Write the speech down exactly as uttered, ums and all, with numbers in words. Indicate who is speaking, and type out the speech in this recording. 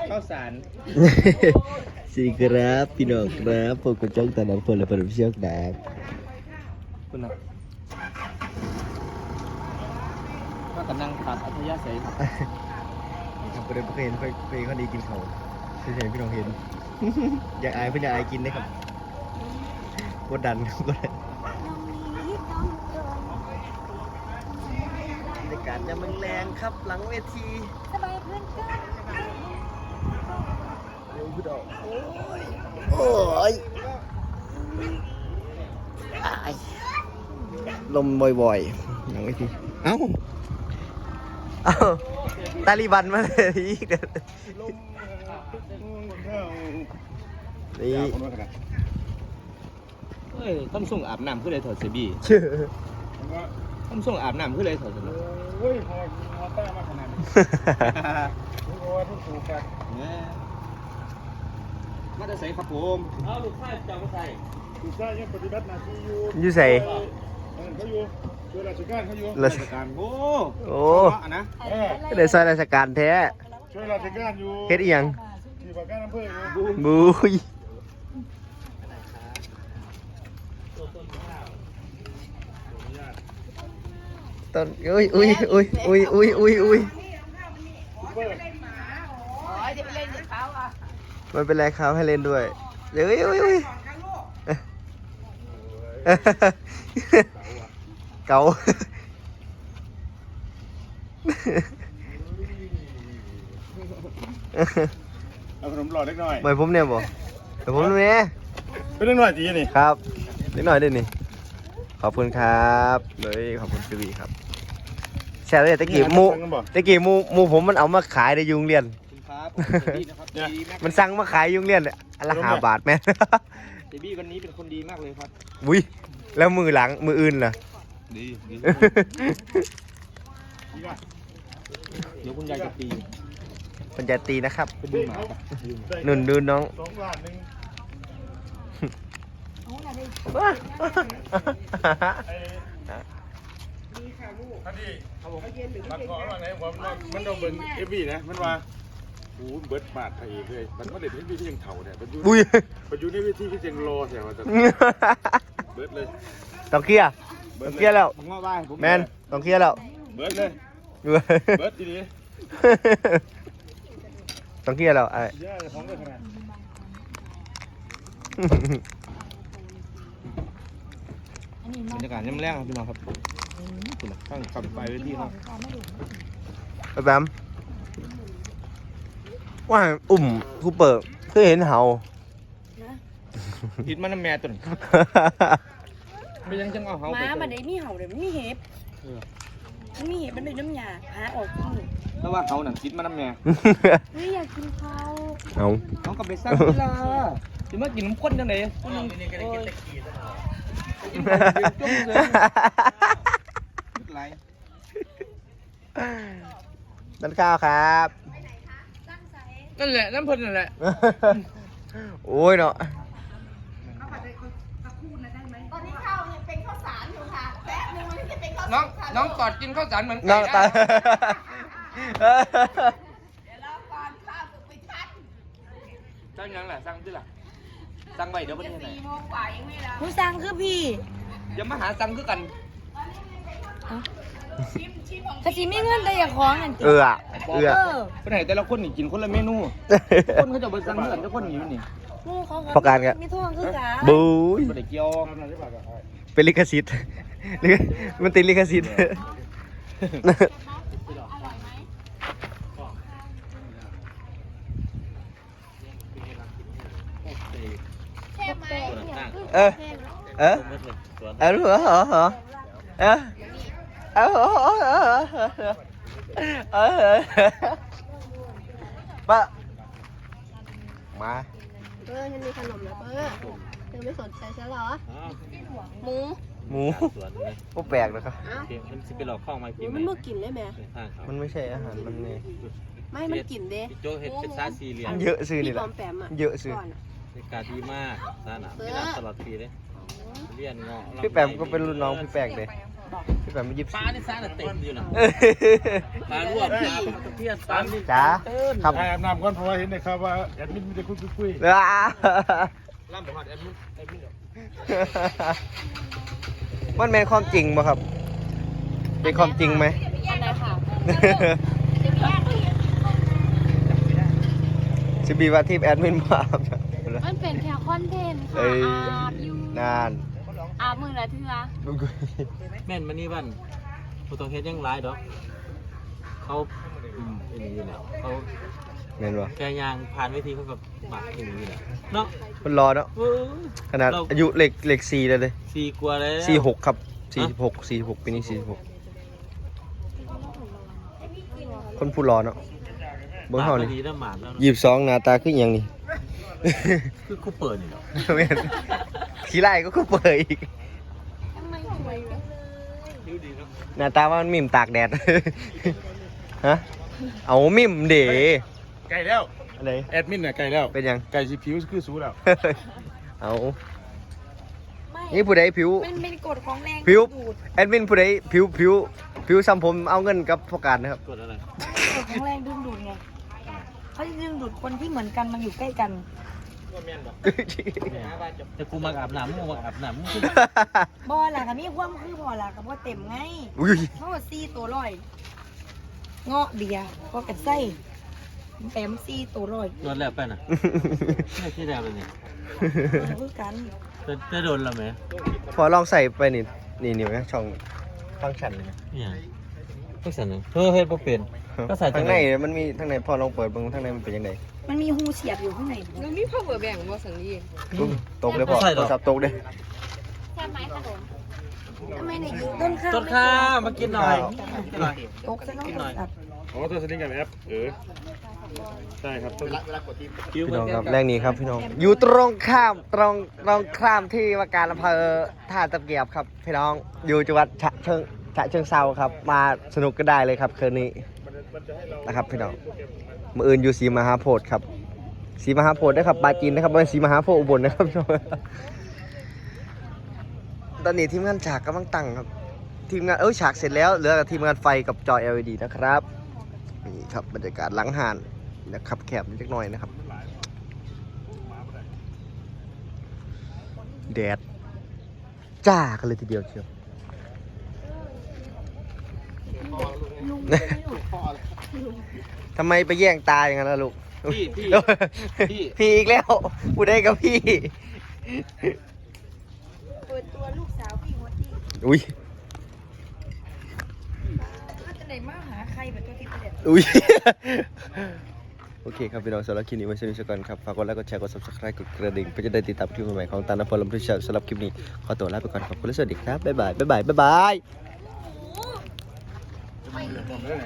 Speaker 1: ข้าวสาร
Speaker 2: สิครับพี่น้องครับพวกกระจกตาดำฝนและปลาเชือกแดงคุณนะ
Speaker 1: ก็กำลังตัดอัธยาศัยครับ
Speaker 2: ทำประเด็นเพื่อนเพื่อนเพื่อนเขาดีกินเขาเฉยๆพี่น้องเห็นอยากอายเพื่อนอยากอายกินได้ครับกดดันกดดันในการจะมึงแรงครับหลังเวที
Speaker 3: สบายเพื่อนกัน
Speaker 2: เร็วพี่ดอกโอ้ยโอ้ยอายลมบ่อยๆหลังเวทีเอ้าเอ้าตาลีบันมาเลยอีกเด้อนี่
Speaker 1: เฮ้ยต้องส่งอาบน้ำขึ้นเลยถอดเสบี
Speaker 2: ชื่อ
Speaker 1: ต้องส่งอาบน้ำขึ้นเลยถอดเสบี
Speaker 4: โอ้ยพอพอต้ามาขนาดนี้โอ้ยทุกสูบกัน
Speaker 1: เนี่ยมาจะใส่ครับผมเอาลูกชายจะมาใส่
Speaker 4: ลูกชายยังปฏิบัติหน้าที่อยู่
Speaker 2: อยู่ใส่
Speaker 4: เขาอยู่ช่วยราชการเขาอยู่
Speaker 1: ราชการโอ้
Speaker 2: โอ้
Speaker 1: นะ
Speaker 2: เดี๋ยวซอยราชการแท้
Speaker 4: ช่วยราชการอยู่
Speaker 2: เฮ็ดอีหยัง
Speaker 4: ที่ว่าการอำเภอ
Speaker 2: บุยต้นอุ้ยอุ้ยอุ้ยอุ้ยอุ้ยอุ้ยอุ้ยมันเป็นไรครับให้เล่นด้วยเดี๋ยวอุ้ยอุ้ยอุ้ยเก่า
Speaker 4: เอาขนมหลอดเล็กน้อย
Speaker 2: เหมือนผมเนี่ยบ่แต่ผมเนี่ย
Speaker 4: เป็นเล็กน้อยจีนี่
Speaker 2: ครับเล็กน้อยด้วยนี่ขอบคุณครับเลยขอบคุณซีวีครับแชร์เลยตะกี้มูตะกี้มูมูผมมันเอามาขายในยุงเรียนมันสั่งมาขายยุงเรียนอันละห้าบาทแม่
Speaker 1: เดบี้วันนี้เป็นคนดีมากเลยครับ
Speaker 2: อุ้ยแล้วมือหลังมืออื่นล่ะ
Speaker 1: ดีดีเดี๋ยวคุณยายจะตี
Speaker 2: คุณยายตีนะครับ
Speaker 1: ไปดูหมา
Speaker 2: หนุนดูน้อง
Speaker 4: สองบาทหนึ่งพอดีครับผมมันขอว่าไงผมมันต้องเบิ้งเอฟบีนะมันว่าโอ้เบิร์ดบาทไทยเลยมันไม่ได้เป็นวิธียังเถ่าเนี่ยมันอยู่มันอยู่ในวิธีที่ยังรอแถวจะเบิร์ดเลย
Speaker 2: ต้องเคลียร์ต้องเคลียร์แล้วแมนต้องเคลียร์แล้ว
Speaker 4: เบิร์ดเลยเบิร์ดทีนี้
Speaker 2: ต้องเคลียร์แล้วไอ้
Speaker 1: บรรยากาศย่ำแรงครับพี่น้องครับข้างขับไปเวทีครับ
Speaker 2: แบมว่าอุ่มคูเปิดเคยเห็นเห่า
Speaker 1: คิดมันน้ำแม่ตุ่นไม่ยังจังเอาเห่า
Speaker 3: ม้ามันได้มีเห่าเลยมันมีเห็บมันมีเห็บมันได้น้ำยาหาออกกิน
Speaker 1: แต่ว่าเห่าหนังคิดมันน้ำแม่
Speaker 3: ไม่อยากกินเขา
Speaker 2: เอา
Speaker 1: เขาก็ไปสร้างเวลาจะมากินน้ำข้นจังไหนจุ่มเลย
Speaker 2: นั่นข้าวครับ
Speaker 1: นั่นแหละน้ำพ่นนั่นแหละ
Speaker 2: โอ้ยเนาะ
Speaker 3: ตอนนี้ข้าวยังเป็นข้าวสารอยู่ค่ะแป๊บนึงมันจะเป็นข้าวสาร
Speaker 1: น้องน้องกอดกินข้าวสารเหมือนไก่
Speaker 2: น้องตา
Speaker 3: เดี๋ยวเราก่อนข้าวสุกไปทัน
Speaker 1: สั่งยังแหละสั่งที่ล่ะสั่งไว้เดี๋ยววันนี้ไหน
Speaker 3: สี่โมงกว่ายังไม่ละผู้สั่งคือพี่
Speaker 1: อย่ามาหาสั่งคือกัน
Speaker 3: กะทิไม่เงินแต่อย่าคล้องนั่น
Speaker 2: เออเออ
Speaker 1: คนไหนแต่ละคนนี่กินคนละเมนูคนเขาจะไปสั่งเหมือนทุกคนอยู่นี่
Speaker 2: ประกันกัน
Speaker 3: มีท่วงคือกัน
Speaker 2: บุ้ย
Speaker 1: ไม่ได้เกี่ยว
Speaker 2: เป็นลิขสิทธิ์มันติดลิขสิทธิ์เออเออเออเหรอเหรอเหรอเออเออเออเออปะมา
Speaker 3: เออฉันมีขนมแล้วเออเธอไม่สนใจฉันเหรอหมู
Speaker 2: หมูก็แปลกนะครับ
Speaker 1: มันจะเป็นหลอกข้องมากิน
Speaker 3: มันเมื่อกินได้ไหม
Speaker 2: มันไม่ใช่อาหารมันไง
Speaker 3: ไม่มันกินเด้
Speaker 1: โจเห็ดเป็นซาซีเรีย
Speaker 2: เยอะซื้อนี่แหละเยอะซื้อ
Speaker 1: ในการดีมากซาหนาไม่รับตลอดปีเลยเลี้ยนเงาะ
Speaker 2: พี่แปมก็เป็นรุ่นน้องพี่แปลกเลยพี่แบบไม่ยิบ
Speaker 1: ปลาในซ่าเต็มอยู่นะ
Speaker 2: เออ
Speaker 1: ปลาลวกปลาตะเพียนปลานี่
Speaker 2: จ๋าครับ
Speaker 4: ใช่อาบน้ำก่อนเพราะว่าเห็นนะครับว่าแอดมินมีแต่คุยคุย
Speaker 2: ว้า
Speaker 1: ล่ำบอกว่าแอดมินแอดมิน
Speaker 2: มันแมนความจริงป่ะครับ เป็นความจริงไหม
Speaker 3: อันไหนค่ะ
Speaker 2: ชิบีว่าทีมแอดมินมา
Speaker 3: มันเป็นแค่คอนเทนต์
Speaker 2: เอ้
Speaker 3: ค่ะ
Speaker 2: ย
Speaker 3: อาบอยู่
Speaker 2: นาน
Speaker 3: อาบมือละเทือ
Speaker 1: แม่นมานี่บ้านผู้ต้องเฮ็ดยังร้ายดอกเขาอืมเป็นอย่างนี้แหละเขา
Speaker 2: แมนวะ
Speaker 1: แกยางผ่านเวทีเขาแบบหมักอย่างนี้แหละเนาะ
Speaker 2: มันรอเนาะ
Speaker 1: เออ
Speaker 2: ขนาดอายุเหล็กเหล็กสี่เลยเลย
Speaker 1: สี่กว่าแล้ว
Speaker 2: สี่หกครับสี่หกสี่หกปีนี้สี่หกคนผู้รอเนาะเบิ้งเฮานี่
Speaker 1: ดีนะหมาดแล้ว
Speaker 2: ยี่สิบสองหน้าตาขึ้นยังนี่
Speaker 1: คือกูเปิดนี่เนาะ
Speaker 2: แม่นขี้ไล่ก็คือเปิดอีก
Speaker 3: ทำไมสวยจังเลย
Speaker 1: ดูดีเนาะ
Speaker 2: หน้าตาว่ามันมิ่มตากแดด ฮะเอามิ่มเด๋
Speaker 4: ไก่แล้ว
Speaker 2: อะไร
Speaker 4: แอดมินน่ะไก่แล้ว
Speaker 2: เป็นยัง
Speaker 4: ไก่สีผิวคือสูแล้ว
Speaker 2: เอา
Speaker 3: ไม่
Speaker 2: นี่ผู้ใดผิว
Speaker 3: มันเป็นกฎของแรง
Speaker 2: ผิว
Speaker 3: ดูด
Speaker 2: แอดมินผู้ใดผิวผิวผิวซ้ำผมเอาเงินกับพอการนะครับ
Speaker 1: กดอะไร
Speaker 5: กฎของแรงดึงดูดไงเขาจะดึงดูดคนที่เหมือนกันมาอยู่ใกล้กัน
Speaker 1: แต่กูมาอาบน้ำมึงมาอาบน้ำมึงคือ
Speaker 5: บ่หลักกับมีความคือบ่หลักกับว่าเต็มไง
Speaker 2: อุ้ย
Speaker 5: เขาว่าซี่ตัวร้อย เงาะเบียร์ก็กัดไส้แปมซี่ตัวร้อย
Speaker 1: โดนแล้วไปน่ะไม่ใช่แล้วเลยนี่
Speaker 5: เอาคือกัน
Speaker 1: จะจะโดนแล้วไหม
Speaker 2: พอลองใส่ไปนี่นี่นี่ไหมช่องฟังก์ชันเลยนะ
Speaker 1: เนี่ยพวกสันนึงเฮ้ยเฮ็ดบ่เป็นก็ใส่
Speaker 2: ข้างในมันมีข้างในพอลองเปิดเบิ่งข้างในมันเป็นยังไง
Speaker 5: มันมีหูเสียบอยู่ข้างใน
Speaker 3: มันมีพ่อเบอร์แบ่งบ่สังดี
Speaker 2: อุ๊ยตกเลยพอโทรศัพท์ตกเลย
Speaker 3: แค่ไม้ขนม
Speaker 5: ทำไมเนี่ยต้นข้าว
Speaker 1: ต้นข้าวมากินหน่อยกินหน่อย
Speaker 5: ตกซะน้องตัด
Speaker 4: อ๋อตัวสลิงกับแอปเออใช่ครับต้อง
Speaker 1: คิ้ว
Speaker 2: พี่
Speaker 1: มั
Speaker 2: น้องครับ
Speaker 1: น
Speaker 2: แรกนี้ครับพี่น้องอยู่ตรงข้ามตรงตรงข้ามที่ว่าการอำเภอท่าตะเกียบครับพี่น้องอยู่จังหวัดฉะเชิงฉะเชิงเซาครับ มาสนุกก็ได้เลยครับคืนนี้นะครับพี่น้องมืออื่นอยู่ศรีมหาโพธิ์ครับศรีมหาโพธิ์นะครับปาจีนนะครับไม่ใช่ศรีมหาโพธิ์อุบลนะครับพี่น้องตอนนี้ทีมงานฉากกำลังตั้งครับทีมงานเออฉากเสร็จแล้วเหลือแต่ทีมงานไฟกับจอ แอล อี ดี นะครับนี่ครับบรรยากาศหลังหานนะครับแคบนิดหน่อยนะครับแดดจ้ากันเลยทีเดียวเชียว ทำไมไปแย่งตาอย่างนั้นล่ะลูก
Speaker 1: พี่พี่พี่
Speaker 2: พี่อีกแล้วพูดได้กับพี่
Speaker 5: เปิดตัวลูกสาวพี่หัวที่
Speaker 2: อุ้ย
Speaker 5: ก็จะไหนมาหาใครแบบตัวติดเด็ด
Speaker 2: อุ้ย โอเคครับพี่น้องสำหรับคลิปนี้ไว้ชมกันครับฝากกดไลค์กดแชร์กด ซับสไครบ์ กดกระดิ่งเพื่อจะได้ติดตามคลิปใหม่ๆของตาลพลลำพูชาสำหรับคลิปนี้ขอตัวลาไปก่อนขอบคุณและสวัสดีครับบ๊ายบายบ๊ายบายบ๊ายบาย